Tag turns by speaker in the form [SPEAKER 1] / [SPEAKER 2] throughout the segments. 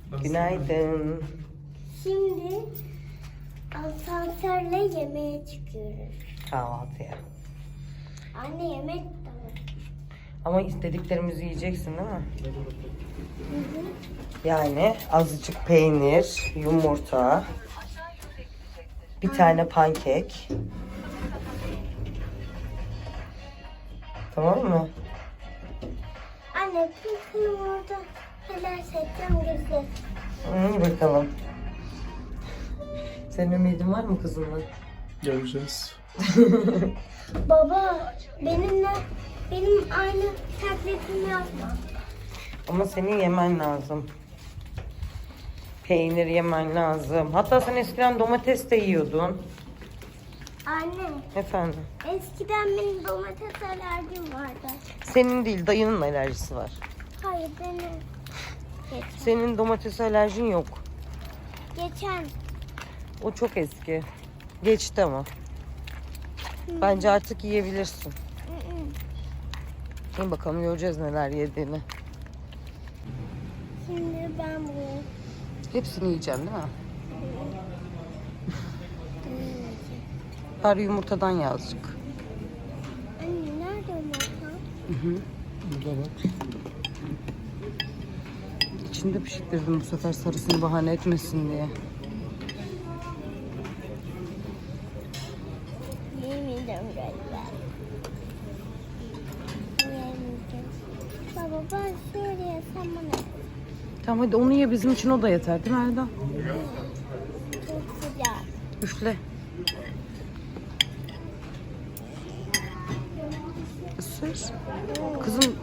[SPEAKER 1] Günaydın.
[SPEAKER 2] Şimdi asansörle yemeğe çıkıyoruz.
[SPEAKER 1] Kahvaltıya.
[SPEAKER 2] Anne yemek de var.
[SPEAKER 1] Ama istediklerimizi yiyeceksin değil mi?
[SPEAKER 2] Hı hı.
[SPEAKER 1] Yani azıcık peynir, yumurta, bir tane pankek. Tamam mı?
[SPEAKER 2] Anne kızım orada helal seçeceğim gözü.
[SPEAKER 1] Bakalım. Senin ümidin var mı kızımla?
[SPEAKER 3] Göreceğiz.
[SPEAKER 2] Baba benim aynı taklitimi yapma.
[SPEAKER 1] Ama senin yemen lazım. Peynir yemen lazım. Hatta sen eskiden domates de yiyordun.
[SPEAKER 2] Anne
[SPEAKER 1] Efendim?
[SPEAKER 2] eskiden benim domates alerjim vardı.
[SPEAKER 1] Senin değil, dayının alerjisi var.
[SPEAKER 2] Hayır benim.
[SPEAKER 1] Senin domates alerjin yok.
[SPEAKER 2] Geçen.
[SPEAKER 1] O çok eski. Geçti ama. Bence artık yiyebilirsin. Şimdi bakalım göreceğiz neler yediğini.
[SPEAKER 2] Şimdi ben bunu
[SPEAKER 1] Hepsini yiyeceğim değil mi? Bari yumurtadan yazık.
[SPEAKER 2] Anne nerede yumurta?
[SPEAKER 3] Burada bak.
[SPEAKER 1] İçinde pişirdim bu sefer sarısını bahane etmesin diye.
[SPEAKER 2] Yemeyeceğim galiba. Yemeyeceğim. Baba ben şöyle yesem bana.
[SPEAKER 1] Tamam hadi onu ye, bizim için o da yeter değil mi Erdal?
[SPEAKER 2] Çok sıcak.
[SPEAKER 1] Üfle. Isır. Kızım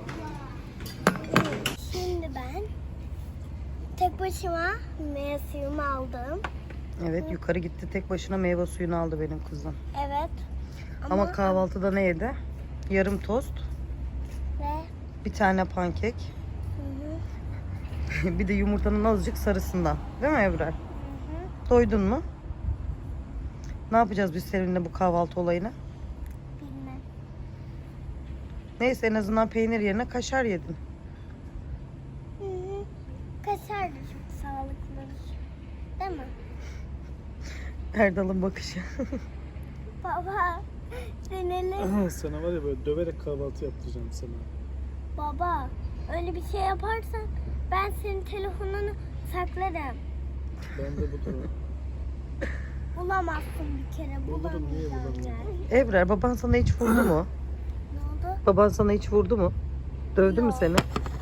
[SPEAKER 2] Şimdi ben tek başıma meyve suyumu aldım.
[SPEAKER 1] evet yukarı gitti, tek başına meyve suyunu aldı benim kızım.
[SPEAKER 2] Evet.
[SPEAKER 1] Ama kahvaltıda ne yedi? Yarım tost,
[SPEAKER 2] Ve
[SPEAKER 1] bir tane pankek,
[SPEAKER 2] hı hı,
[SPEAKER 1] bir de yumurtanın azıcık sarısından. Değil mi Ebrar?
[SPEAKER 2] hı hı,
[SPEAKER 1] Doydun mu? Ne yapacağız biz seninle bu kahvaltı olayını?
[SPEAKER 2] bilmem.
[SPEAKER 1] Neyse en azından peynir yerine kaşar yedin.
[SPEAKER 2] Hı hı. Kaşar da çok sağlıklı. Değil mi?
[SPEAKER 1] Erdal'ın bakışı.
[SPEAKER 2] Baba denelim.
[SPEAKER 3] Sana var ya böyle döverek kahvaltı yaptıracağım sana.
[SPEAKER 2] Baba öyle bir şey yaparsan ben senin telefonunu saklarım.
[SPEAKER 3] Ben de bulurum.
[SPEAKER 2] Bulamazsın bir kere.
[SPEAKER 3] Bulurum, niye
[SPEAKER 2] Bulamayacağım
[SPEAKER 3] bulamıyorum?
[SPEAKER 2] yani.
[SPEAKER 1] Ebrar baban sana hiç vurdu mu?
[SPEAKER 2] Ne oldu?
[SPEAKER 1] Baban sana hiç vurdu mu? Dövdü mü
[SPEAKER 2] Yok.
[SPEAKER 1] seni?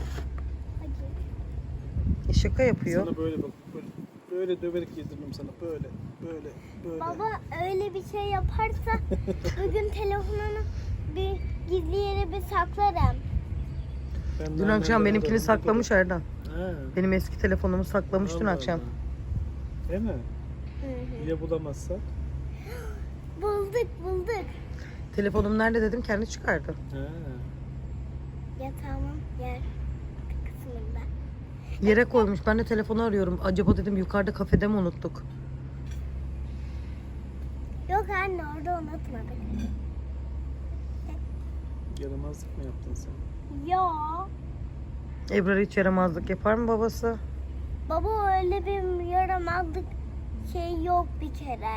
[SPEAKER 2] Hadi.
[SPEAKER 1] Şaka yapıyor.
[SPEAKER 3] Sana böyle bak. Böyle döverek yediririm sana. Böyle.
[SPEAKER 2] Baba öyle bir şey yaparsa bugün telefonunu bir gizli yere bir saklarım.
[SPEAKER 3] Ben
[SPEAKER 1] Dün
[SPEAKER 3] de
[SPEAKER 1] akşam
[SPEAKER 3] annemden
[SPEAKER 1] benimkini
[SPEAKER 3] ararım.
[SPEAKER 1] saklamış Erdal.
[SPEAKER 3] Ha.
[SPEAKER 1] Benim eski telefonumu saklamış dün
[SPEAKER 3] Allah
[SPEAKER 1] akşam.
[SPEAKER 3] Allah. Değil mi?
[SPEAKER 2] Hı hı.
[SPEAKER 3] Ya bulamazsak?
[SPEAKER 2] Bulduk.
[SPEAKER 1] Telefonum nerede dedim, kendi çıkardı.
[SPEAKER 3] Ha.
[SPEAKER 2] Yatağımın yer kısmında.
[SPEAKER 1] Yere koymuş. Ben de telefonu arıyorum. Acaba dedim yukarıda kafede mi unuttuk?
[SPEAKER 2] Yok anne orada unutmadık.
[SPEAKER 3] Yaramazlık mı yaptın sen?
[SPEAKER 2] Yo.
[SPEAKER 1] Ebrar hiç yaramazlık yapar mı babası?
[SPEAKER 2] Baba öyle bir yaramazlık şey yok bir kere.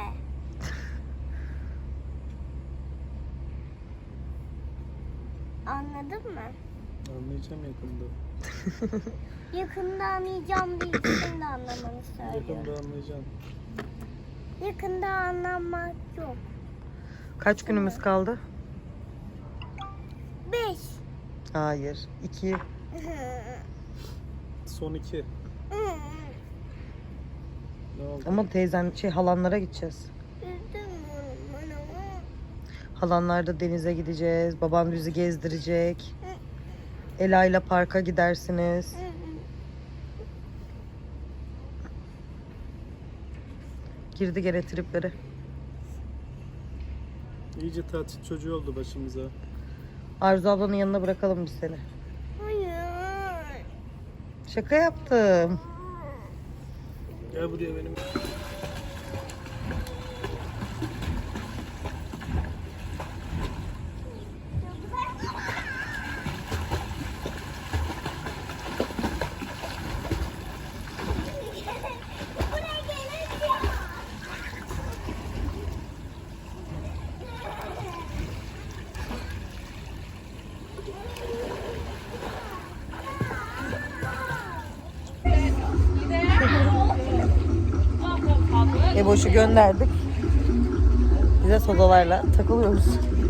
[SPEAKER 2] Anladın mı?
[SPEAKER 3] Anlayacağım yakında.
[SPEAKER 2] Yakında anlayacağım değil, şimdi anlamanı söylüyorum.
[SPEAKER 3] Yakında anlayacağım.
[SPEAKER 2] Yakında anlamak yok.
[SPEAKER 1] Kaç günümüz kaldı?
[SPEAKER 2] 5.
[SPEAKER 1] Hayır. 2.
[SPEAKER 3] Son 2. Ne oldu?
[SPEAKER 1] Ama teyzen halanlara gideceğiz. Halanlarda denize gideceğiz. Babam bizi gezdirecek. Ela ile parka gidersiniz. Girdi gene triplere.
[SPEAKER 3] İyice tatil çocuğu oldu başımıza.
[SPEAKER 1] Arzu ablanın yanına bırakalım biz seni.
[SPEAKER 2] Hayır.
[SPEAKER 1] Şaka yaptım.
[SPEAKER 3] Gel buraya benim.
[SPEAKER 1] Eboş'u gönderdik. Bize sodalarla takılıyoruz.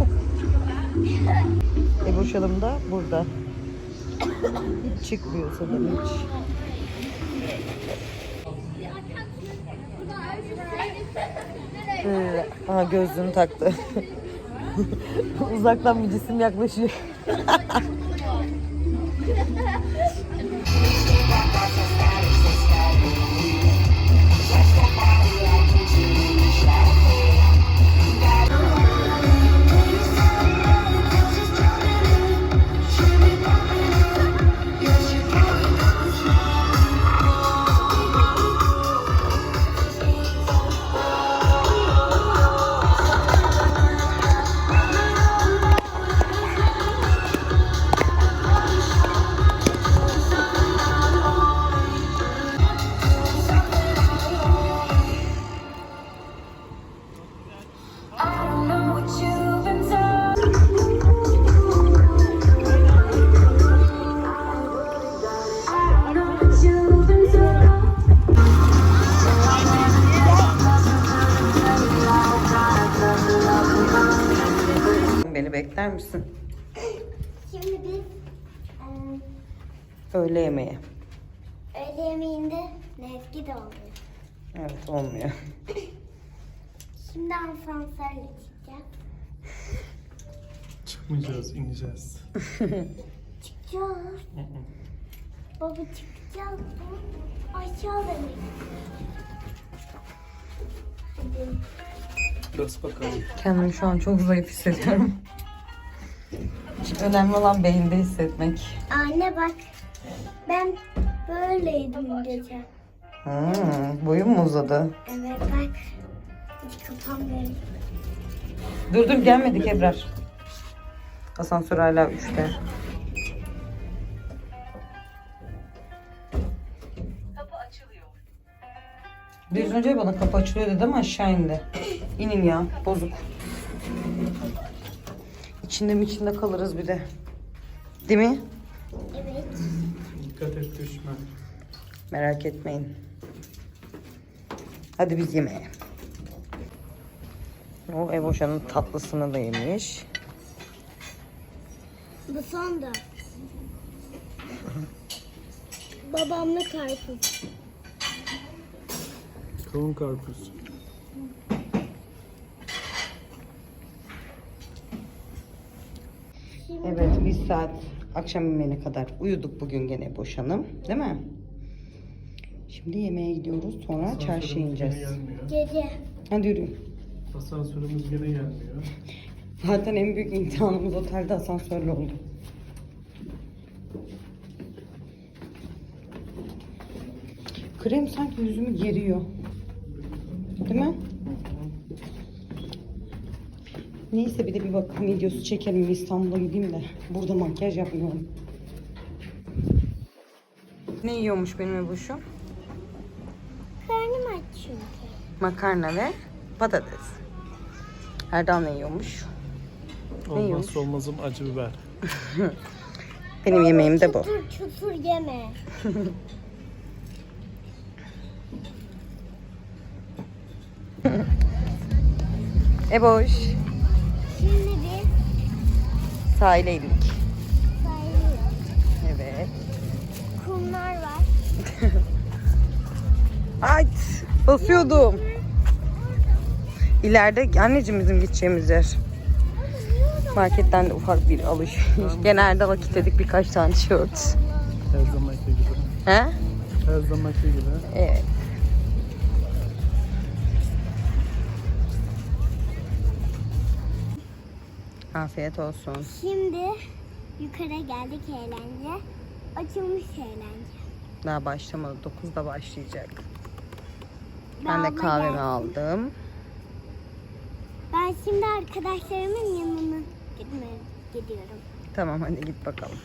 [SPEAKER 1] Eboş Hanım da burada. Hiç çıkmıyor sodan hiç. Aha gözlüğünü taktı. Uzaktan bir cisim yaklaşıyor. Beni bekler misin?
[SPEAKER 2] Şimdi biz
[SPEAKER 1] Öğle yemeği.
[SPEAKER 2] öğle yemeğinde Nezgi de oluyor.
[SPEAKER 1] Evet olmuyor.
[SPEAKER 2] Şimdi asansörle çıkacağız.
[SPEAKER 3] Çıkmayacağız, ineceğiz.
[SPEAKER 2] Çıkacağız. Baba çıkacağız. Aşağı demek. Hadi.
[SPEAKER 3] Bas bakalım.
[SPEAKER 1] Kendimi şu an çok zayıf hissediyorum. Önemli olan beyinde hissetmek.
[SPEAKER 2] Anne bak. Ben böyleydim gece.
[SPEAKER 1] Boyun mu uzadı?
[SPEAKER 2] Evet bak. Hiç kapanmıyorum.
[SPEAKER 1] Dur gelmedik Ebrar. Asansör hala 3'te. Kapı açılıyor. Biraz önce bana kapı açılıyor dedi ama aşağı indi. İnin ya bozuk. İçinde kalırız bir de. Değil mi?
[SPEAKER 2] Evet.
[SPEAKER 3] Dikkat et düşme.
[SPEAKER 1] Merak etmeyin. Hadi biz yemeğe. O Evoşa'nın tatlısını da yemiş.
[SPEAKER 2] Bu son da. Babamla karpuz.
[SPEAKER 3] Kavun karpuz.
[SPEAKER 1] Evet, bir saat akşam yemeğine kadar uyuduk bugün gene boşanım, değil mi? Şimdi yemeğe gidiyoruz, sonra çarşıya ineceğiz.
[SPEAKER 2] Gece.
[SPEAKER 1] Hadi yürüyün.
[SPEAKER 3] Asansörümüz gene gelmiyor.
[SPEAKER 1] Zaten en büyük imtihanımız otelde asansörle oldu. Krem sanki yüzümü geriyor. Değil mi? Neyse bir de bir bakım videosu çekelim. İstanbul'a gideyim de burada makyaj yapmıyorum. Ne yiyormuş benim Ebuş'um?
[SPEAKER 2] Karnım aç çünkü.
[SPEAKER 1] Makarna ve patates. Erdal ne yiyormuş? yiyormuş?
[SPEAKER 3] Olmazsa olmazım acı biber.
[SPEAKER 1] Benim yemeğim de bu.
[SPEAKER 2] Çutur çutur yeme.
[SPEAKER 1] Eboş.
[SPEAKER 2] Şimdi bir
[SPEAKER 1] Sahile indik.
[SPEAKER 2] sahil.
[SPEAKER 1] Evet.
[SPEAKER 2] Kumlar var.
[SPEAKER 1] Ay basıyordum. İleride anneciğim bizim gideceğimiz yer. Marketten de ufak bir alışveriş. Genelde vakit dedik birkaç tane tişört.
[SPEAKER 3] Her zamanki gibi.
[SPEAKER 1] He?
[SPEAKER 3] Her zamanki gibi.
[SPEAKER 1] Evet. Afiyet olsun.
[SPEAKER 2] Şimdi yukarı geldik eğlence. Açılmış eğlence.
[SPEAKER 1] Daha başlamadı. 9'da başlayacak. Ben
[SPEAKER 2] Daha
[SPEAKER 1] de
[SPEAKER 2] abla
[SPEAKER 1] kahvemi
[SPEAKER 2] gelsin.
[SPEAKER 1] aldım.
[SPEAKER 2] Ben şimdi arkadaşlarımın yanına gidiyorum.
[SPEAKER 1] Tamam hadi git bakalım.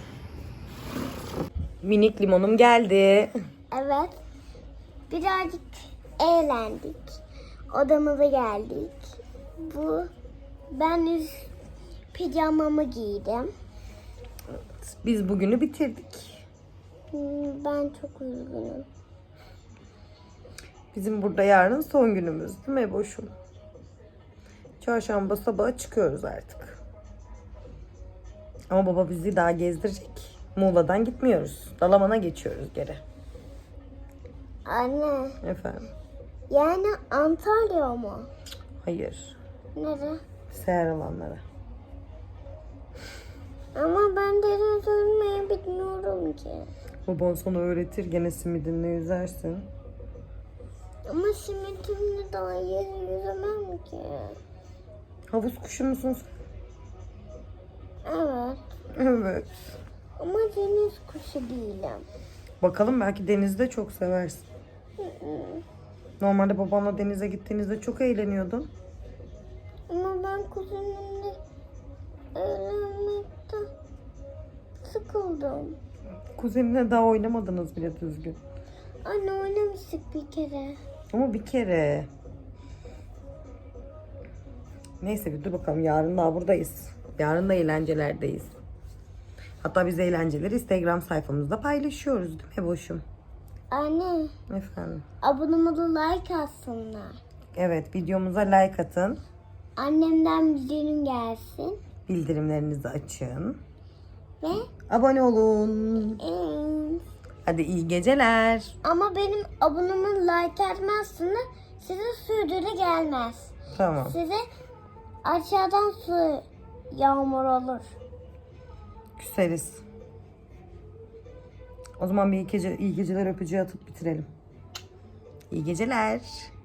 [SPEAKER 1] Minik limonum geldi.
[SPEAKER 2] Evet. Birazcık eğlendik. Odamıza geldik. Ben üst pijamamı giydim.
[SPEAKER 1] Biz bugünü bitirdik.
[SPEAKER 2] Ben çok üzgünüm.
[SPEAKER 1] Bizim burada yarın son günümüz değil mi boşum? Çarşamba sabahı çıkıyoruz artık. Ama baba bizi daha gezdirecek. Muğla'dan gitmiyoruz. Dalaman'a geçiyoruz geri.
[SPEAKER 2] Anne,
[SPEAKER 1] Efendim?
[SPEAKER 2] yani Antalya mı?
[SPEAKER 1] Hayır.
[SPEAKER 2] Nere?
[SPEAKER 1] Seher alanlara.
[SPEAKER 2] Ama ben deniz yüzmeyi bilmiyorum ki.
[SPEAKER 1] Baban sana öğretir. Gene simidinle yüzersin.
[SPEAKER 2] Ama simitimle daha iyi yüzemem ki.
[SPEAKER 1] Havuz kuşu musun sen?
[SPEAKER 2] Evet.
[SPEAKER 1] Evet.
[SPEAKER 2] Ama deniz kuşu değilim.
[SPEAKER 1] Bakalım belki denizde çok seversin. Normalde babanla denize gittiğinizde çok eğleniyordun.
[SPEAKER 2] Ama ben kuzenimle eğlenmekten sıkıldım.
[SPEAKER 1] Kuzeninle daha oynamadınız bile düzgün.
[SPEAKER 2] Anne oynamıştık bir kere.
[SPEAKER 1] Ama bir kere. Neyse bir dur bakalım. Yarın daha buradayız. Yarın da eğlencelerdeyiz. Hatta biz eğlenceleri Instagram sayfamızda paylaşıyoruz değil mi boşum?
[SPEAKER 2] Anne,
[SPEAKER 1] Efendim.
[SPEAKER 2] abone olup like atsınlar.
[SPEAKER 1] Evet, videomuza like atın.
[SPEAKER 2] Annemden bildirim gelsin.
[SPEAKER 1] Bildirimlerinizi açın.
[SPEAKER 2] Ve
[SPEAKER 1] Abone olun. Hadi iyi geceler.
[SPEAKER 2] ama benim abonemi like etmezseniz size sürdürü gelmez.
[SPEAKER 1] Tamam.
[SPEAKER 2] Size aşağıdan su yağmur olur.
[SPEAKER 1] Küseriz. O zaman bir iyi geceler öpücüğü atıp bitirelim. İyi geceler.